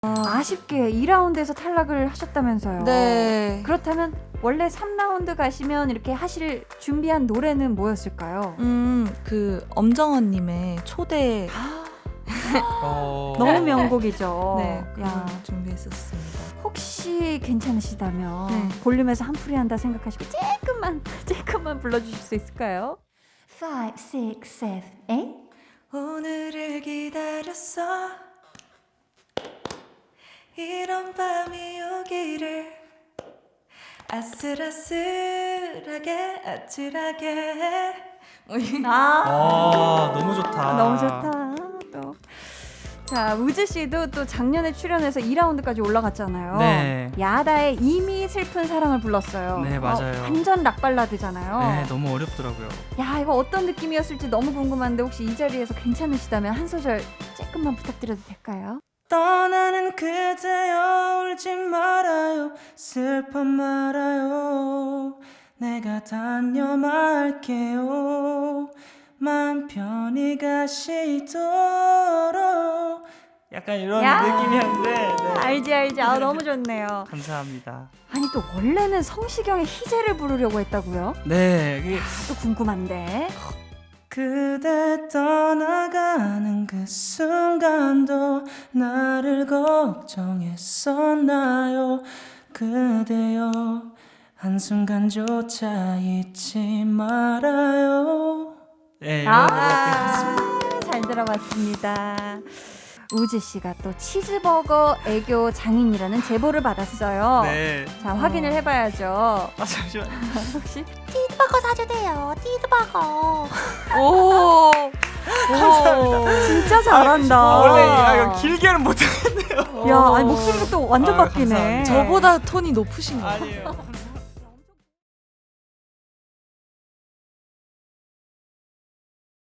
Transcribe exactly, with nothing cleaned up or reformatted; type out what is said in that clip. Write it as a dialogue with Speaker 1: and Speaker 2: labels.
Speaker 1: 아쉽게 이 라운드에서 탈락을 하셨다면서요.
Speaker 2: 네.
Speaker 1: 그렇다면 원래 삼 라운드 가시면 이렇게 하실 준비한 노래는 뭐였을까요?
Speaker 2: 음, 그 엄정원님의 초대.
Speaker 3: 어...
Speaker 1: 너무 명곡이죠.
Speaker 2: 네,
Speaker 1: 야,
Speaker 2: 그걸 준비했었습니다.
Speaker 1: 혹시 괜찮으시다면
Speaker 2: 네.
Speaker 1: 볼륨에서 한풀이 한다 생각하시고 조금만 조금만 불러주실 수 있을까요? five, six, seven, eight.
Speaker 2: 오늘을 기다렸어. 이런 밤이 오기를. 아슬아슬하게 아찔하게.
Speaker 1: 아,
Speaker 3: 아, 너무 좋다.
Speaker 1: 아, 너무 좋다. 또. 자, 우즈 씨도 또 작년에 출연해서 이 라운드까지 올라갔잖아요.
Speaker 3: 네.
Speaker 1: 야다의 이미 슬픈 사랑을 불렀어요.
Speaker 3: 네, 맞아요.
Speaker 1: 어, 완전 락 발라드잖아요.
Speaker 3: 네, 너무 어렵더라고요.
Speaker 1: 야, 이거 어떤 느낌이었을지 너무 궁금한데 혹시 이 자리에서 괜찮으시다면 한 소절 조금만 부탁드려도 될까요?
Speaker 3: 떠나는 그대여 울지 말아요 슬퍼 말아요 내가 다녀말게요 마음 편히 가시도록 약간 이런
Speaker 1: 야!
Speaker 3: 느낌이었는데 네.
Speaker 1: 알지 알지. 아, 너무 좋네요.
Speaker 3: 감사합니다.
Speaker 1: 아니 또 원래는 성시경의 희재를 부르려고 했다고요?
Speaker 3: 네, 그게
Speaker 1: 또 궁금한데.
Speaker 3: 그대 떠나가는 그 순간도 나를 걱정했었나요 그대여 한순간조차 잊지 말아요. 네, 이런
Speaker 1: 아, 잘 들어봤습니다. 우즈 씨가 또 치즈버거 애교 장인이라는 제보를 받았어요.
Speaker 3: 네.
Speaker 1: 자, 확인을 해봐야죠.
Speaker 3: 아 잠시만.
Speaker 1: 혹시
Speaker 2: 띠드버거 사주세요. 띠드버거. 오.
Speaker 3: 감사합니다.
Speaker 1: 진짜 잘한다.
Speaker 3: 아, 원래 아, 이거 길게는 못하겠네요.
Speaker 1: 야, 아니 목소리가 또 완전
Speaker 3: 아유,
Speaker 1: 바뀌네.
Speaker 3: 감사합니다.
Speaker 2: 저보다 톤이 높으신 거예요.
Speaker 3: 아니에요.